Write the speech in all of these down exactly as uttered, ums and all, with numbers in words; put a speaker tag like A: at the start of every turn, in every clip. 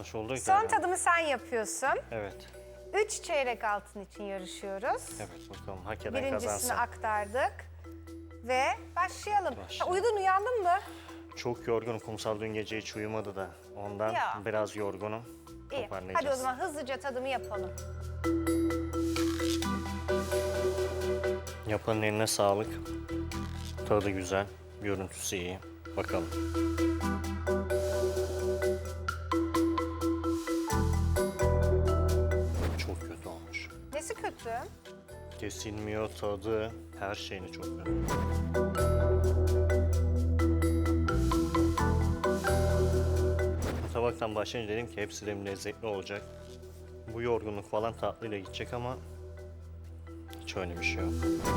A: maç oldu.
B: Son tadımı sen yapıyorsun.
A: Evet.
B: Üç çeyrek altın için yarışıyoruz.
A: Evet bakalım hak eden
B: Birincisini
A: kazansın.
B: aktardık. Ve başlayalım.
A: Başlayalım.
B: Ha, uyudun, uyandın mı?
A: Çok yorgunum. Kumsal dün gece hiç uyumadı da. Ondan
B: Ya.
A: biraz yorgunum.
B: İyi.
A: Toparlayacağız.
B: Hadi o zaman hızlıca tadımı yapalım.
A: Yapanın eline sağlık. Tadı güzel. Görüntüsü iyi. Bakalım. Çok kötü olmuş.
B: Nesi kötü?
A: Kesilmiyor tadı. Her şeyini çok kötü. Bu tabaktan başlayınca dedim ki hepsi de lezzetli olacak. Bu yorgunluk falan tatlıyla gidecek ama hiç öyle bir şey yok.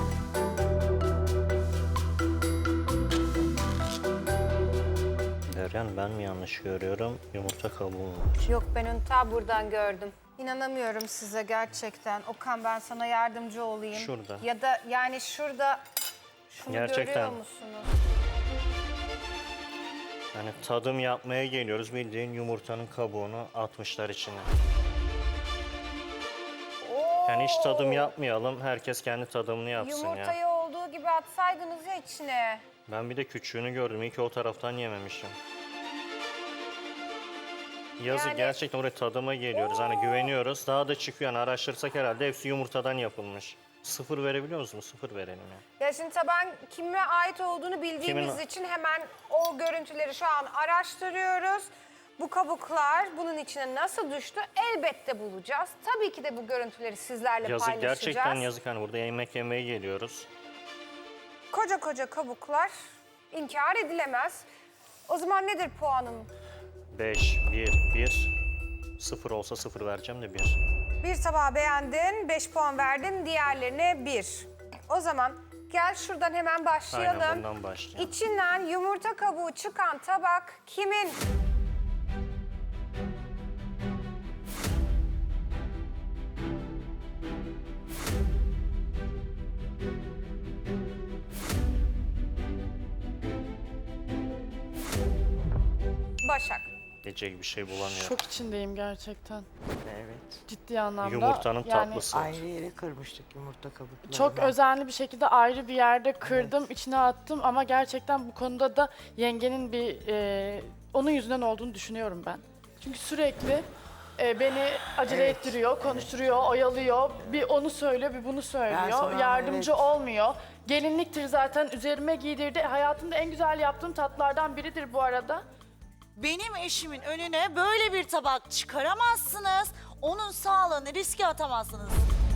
A: Deryan ben mi yanlış görüyorum? Yumurta kabuğu var.
B: Yok, ben onu ta buradan gördüm. İnanamıyorum size gerçekten. Okan, ben sana yardımcı olayım.
A: Şurada.
B: Ya da yani şurada şunu
A: Gerçekten.
B: görüyor musunuz?
A: Yani tadım yapmaya geliyoruz. Bildiğin yumurtanın kabuğunu atmışlar içine.
B: Oo!
A: Yani hiç tadım yapmayalım. Herkes kendi tadımını yapsın ya.
B: Yumurtayı olduğu gibi atsaydınız ya içine.
A: Ben bir de küçüğünü gördüm. İyi ki o taraftan yememişim. Yazık
B: Yani-
A: gerçekten oraya tadıma geliyoruz. Hani güveniyoruz. Daha da çıkıyor. Yani araştırsak herhalde hepsi yumurtadan yapılmış. Sıfır verebiliyor musunuz? Sıfır verelim ya.
B: Ya şimdi taban kime ait olduğunu bildiğimiz
A: Kimin-
B: için hemen o görüntüleri şu an araştırıyoruz. Bu kabuklar bunun içine nasıl düştü elbette bulacağız. Tabii ki de bu görüntüleri sizlerle
A: Yazık
B: paylaşacağız.
A: gerçekten yazık. Hani burada yemek yemeye geliyoruz.
B: Koca koca kabuklar inkar edilemez. O zaman nedir puanım?
A: beş, bir, bir. Sıfır olsa sıfır vereceğim de bir.
B: Bir tabağı beğendin, beş puan verdin, diğerlerine bir. O zaman gel şuradan hemen başlayalım.
A: Aynen bundan başlayalım.
B: İçinden yumurta kabuğu çıkan tabak kimin? Başak.
A: Diyecek bir şey bulamıyorum.
C: Şok içindeyim gerçekten.
D: Evet.
C: Ciddi anlamda.
A: Yumurtanın
C: yani
A: tatlısı.
D: Ayrı yere kırmıştık yumurta kabuklarını.
C: Çok özenli bir şekilde ayrı bir yerde kırdım, içine attım ama gerçekten bu konuda da yengenin bir e, onun yüzünden olduğunu düşünüyorum ben. Çünkü sürekli e, beni acele
D: Evet,
C: ettiriyor, konuşturuyor, oyalıyor. Bir onu söylüyor, bir bunu söylüyor.
D: sana-
C: Yardımcı
D: evet.
C: olmuyor. Gelinliktir zaten üzerime giydirdi. Hayatımda en güzel yaptığım tatlardan biridir bu arada.
E: Benim eşimin önüne böyle bir tabak çıkaramazsınız. Onun sağlığını riske atamazsınız.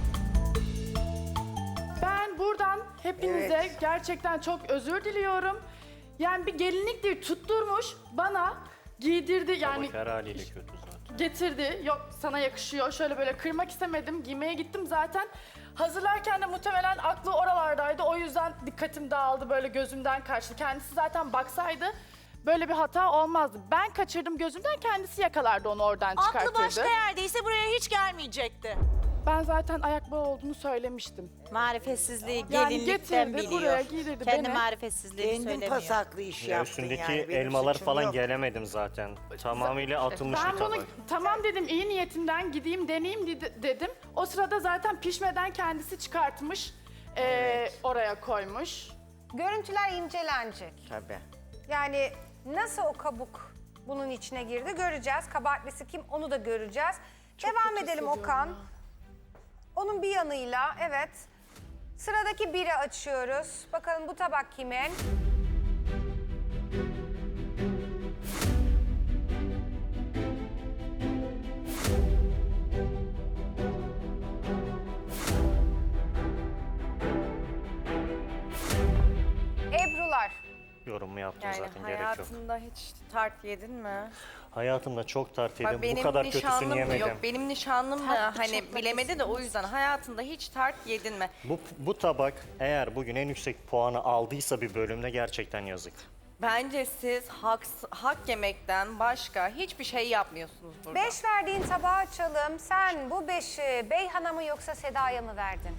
C: Ben buradan hepinize
D: Evet.
C: gerçekten çok özür diliyorum. Yani bir gelinliktir tutturmuş bana giydirdi yani
A: Bak her haliyle kötü zaten.
C: getirdi. Yok sana yakışıyor. Şöyle böyle kırmak istemedim. Giymeye gittim zaten. Hazırlarken de muhtemelen aklı oralardaydı. O yüzden dikkatim dağıldı. Böyle gözümden kaçtı. Kendisi zaten baksaydı böyle bir hata olmazdı. Ben kaçırdım gözümden. Kendisi yakalardı onu oradan çıkartırdı.
E: Aklı başka yerdeyse buraya hiç gelmeyecekti.
C: Ben zaten ayak bağı olduğunu söylemiştim.
F: Marifetsizliği
C: Yani
F: gelinlikten
C: getirdi,
F: biliyor.
C: buraya giydirdi
F: Kendi
C: beni.
F: marifetsizliğini
D: Kendin
F: söylemiyor.
D: pasaklı iş
A: Ya
D: yaptın
A: üstündeki
D: yani. Benim
A: elmalar
D: suçum
A: falan
D: yok.
A: gelemedim zaten. Tamamıyla atılmış
C: Ben
A: bir
C: bunu
A: tabak.
C: tamam dedim iyi niyetimden gideyim deneyeyim dedi- dedim. O sırada zaten pişmeden kendisi çıkartmış. ee, oraya koymuş.
B: Görüntüler incelenecek.
D: Tabii.
B: Yani nasıl o kabuk bunun içine girdi göreceğiz. Kabahatlisi kim onu da göreceğiz. Devam
C: kötü
B: edelim
C: hissediyorum
B: Okan.
C: ya.
B: Onun bir yanıyla evet. Sıradaki biri açıyoruz. Bakalım bu tabak kimin? Ebrular.
A: Yorumu yaptım
F: Yani
A: zaten gerek yok.
F: hayatında hiç tart yedin mi?
A: Hayatımda çok tart yedim.
F: Bak benim
A: Bu kadar kötüsünü
F: nişanlım
A: yemedim.
F: yok. Benim nişanlım da
C: Tatlı
F: hani
C: çok
F: bilemedi de o yüzden hayatında hiç tart yedin mi?
A: Bu, bu tabak eğer bugün en yüksek puanı aldıysa bir bölümde gerçekten yazık.
F: Bence siz hak, hak yemekten başka hiçbir şey yapmıyorsunuz burada.
B: Beş verdiğin tabağı açalım. Sen bu beşi Beyhan'a mı yoksa Seda'ya mı verdin?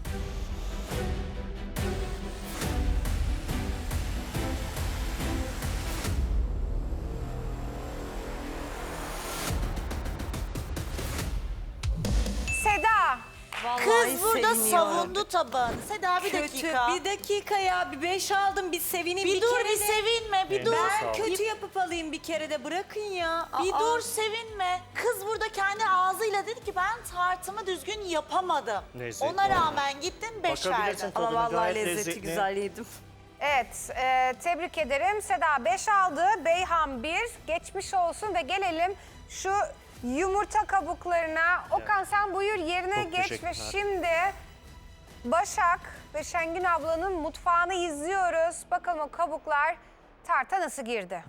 E: burada savundu tabağını. Seda bir
G: Kötü.
E: dakika.
G: Bir dakika ya. Bir beş aldım. Bir sevineyim.
E: Bir,
G: Bir,
E: dur
G: kere
E: bir
G: de.
E: sevinme bir
A: Eline
E: dur.
A: sağlık.
G: Kötü yapıp alayım bir kere de. Bırakın ya.
E: Bir
G: Aa.
E: dur sevinme. Kız burada kendi ağzıyla dedi ki ben tartımı düzgün yapamadım.
A: Lezzetli
E: Ona
A: oldu.
E: rağmen gittin beş
A: Bakabilirsin
E: verdin.
A: tadına,
G: Ama vallahi
A: gayet
G: lezzeti
A: lezzetli.
G: güzel yedim.
B: Evet, e, tebrik ederim. Seda beş aldı, Beyhan bir. Geçmiş olsun ve gelelim şu yumurta kabuklarına. Okan sen buyur yerine
A: Çok
B: geç ve
A: teşekkürler.
B: şimdi Başak ve Şengün ablanın mutfağını izliyoruz. Bakalım o kabuklar tarta nasıl girdi?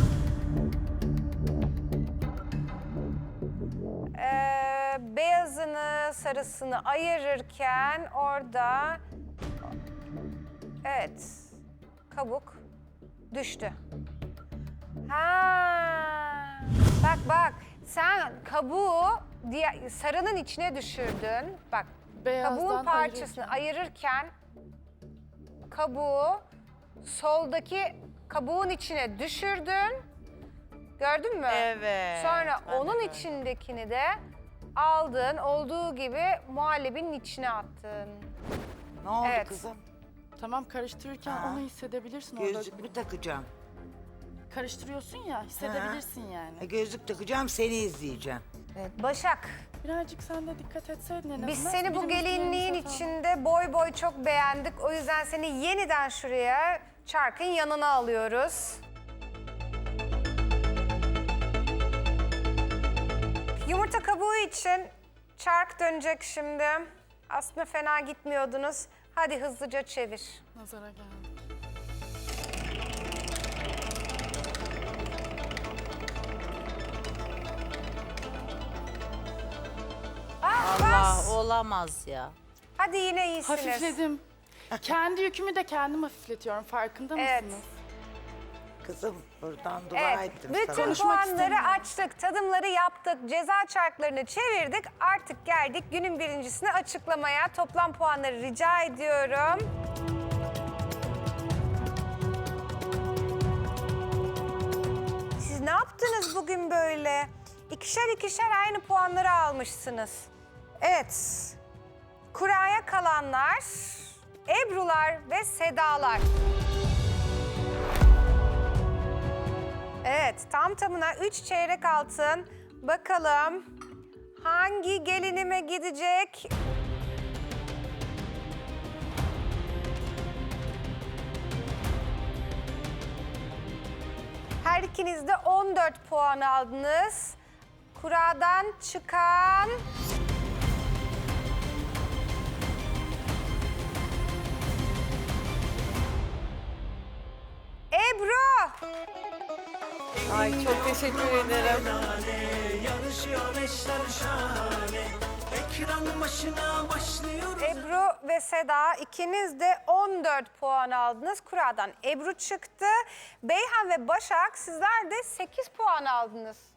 B: Ee, beyazını, sarısını ayırırken orada evet kabuk düştü. Ha. Bak bak sen kabuğu diye sarının içine düşürdün. Bak
C: Beyazdan
B: kabuğun parçasını ayırırken kabuğu soldaki kabuğun içine düşürdün. Gördün mü?
E: Evet,
B: Sonra
E: ben de
B: onun
E: gördüm.
B: içindekini de aldın, olduğu gibi muhallebinin içine attın.
D: Ne oldu
B: Evet.
D: kızım?
C: Tamam karıştırırken
D: Ha.
C: onu hissedebilirsin orada.
D: Gözlük mü takacağım?
C: Karıştırıyorsun ya hissedebilirsin yani.
D: E, gözlük takacağım, seni izleyeceğim.
B: Başak,
C: Birazcık sen de dikkat etseydin en azından.
B: biz seni bu
C: Birimizin
B: gelinliğin
C: elimize
B: içinde boy boy çok beğendik. O yüzden seni yeniden şuraya çarkın yanına alıyoruz. Yumurta kabuğu için çark dönecek şimdi. Aslında fena gitmiyordunuz. Hadi hızlıca çevir.
C: Nazara geldi.
B: Ah,
E: Allah
B: bas.
E: olamaz ya.
B: Hadi yine iyisiniz.
C: Hafifledim. Kendi yükümü de kendim hafifletiyorum. Farkında
B: Evet.
C: mısınız?
D: Kızım buradan dua
B: Evet,
D: ettim
B: bütün
D: sana.
C: Konuşmak
B: puanları
C: istemiyorum.
B: açtık, tadımları yaptık, ceza çarklarını çevirdik. Artık geldik günün birincisini açıklamaya. Toplam puanları rica ediyorum. Siz ne yaptınız bugün böyle? İkişer ikişer aynı puanları almışsınız. Evet, kuraya kalanlar, Ebrular ve Sedalar. Evet, tam tamına üç çeyrek altın. Bakalım hangi gelinime gidecek? Her ikiniz de on dört puan aldınız. Kuradan çıkan... Ebru!
G: Ay çok teşekkür ederim.
H: Yarışıyor eşler şahane. Ekran başına başlıyor.
B: Ebru ve Seda ikiniz de on dört puan aldınız. Kura'dan Ebru çıktı. Beyhan ve Başak sizler de sekiz puan aldınız.